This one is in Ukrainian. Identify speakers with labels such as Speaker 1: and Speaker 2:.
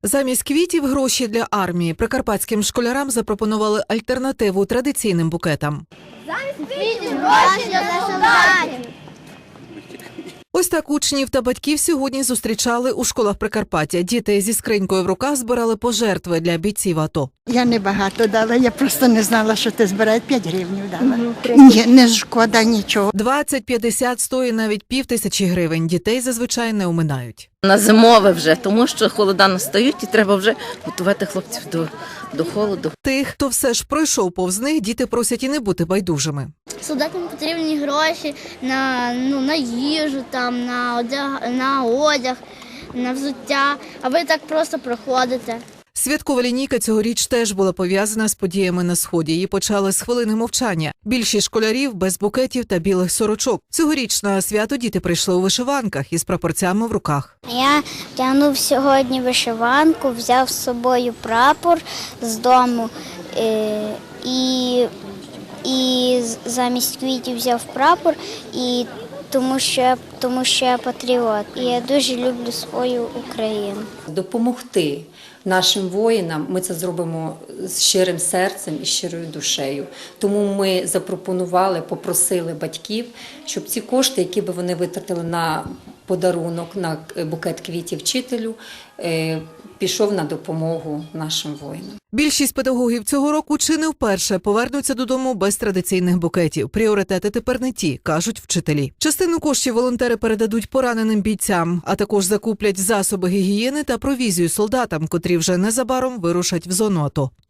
Speaker 1: Замість квітів – гроші для армії. Прикарпатським школярам запропонували альтернативу традиційним букетам.
Speaker 2: Замість квітів гроші для солдатів.
Speaker 1: Ось так учнів та батьків сьогодні зустрічали у школах Прикарпаття. Діти зі скринькою в руках збирали пожертви для бійців АТО.
Speaker 3: Я не багато дала, я просто не знала, що ти збираєш, 5 гривень дала. Ні, не шкода нічого.
Speaker 1: 20, 50, 100 і навіть 5000 гривень. Дітей зазвичай не оминають.
Speaker 4: На зимове вже, тому що холода настають і треба вже готувати хлопців до холоду.
Speaker 1: Тих, хто все ж пройшов повз них, діти просять і не бути байдужими.
Speaker 2: Солдатам потрібні гроші на їжу, там, на одяг, на взуття, а ви так просто проходите.
Speaker 1: Святкова лінійка цьогоріч теж була пов'язана з подіями на Сході. Її почали з хвилини мовчання. Більшість школярів без букетів та білих сорочок. Цьогоріч на свято діти прийшли у вишиванках із прапорцями в руках.
Speaker 5: Я вдягнув сьогодні вишиванку, взяв з собою прапор з дому і замість квітів взяв прапор, тому що я патріот. І я дуже люблю свою Україну.
Speaker 6: Допомогти нашим воїнам ми це зробимо з щирим серцем і щирою душею. Тому ми попросили батьків, щоб ці кошти, які б вони витратили на подарунок, на букет квітів вчителю, пішов на допомогу нашим воїнам.
Speaker 1: Більшість педагогів цього року чи не вперше повернуться додому без традиційних букетів. Пріоритети тепер не ті, кажуть вчителі. Частину коштів волонтери передадуть пораненим бійцям, а також закуплять засоби гігієни та провізію солдатам, котрі вже незабаром вирушать в зону АТО.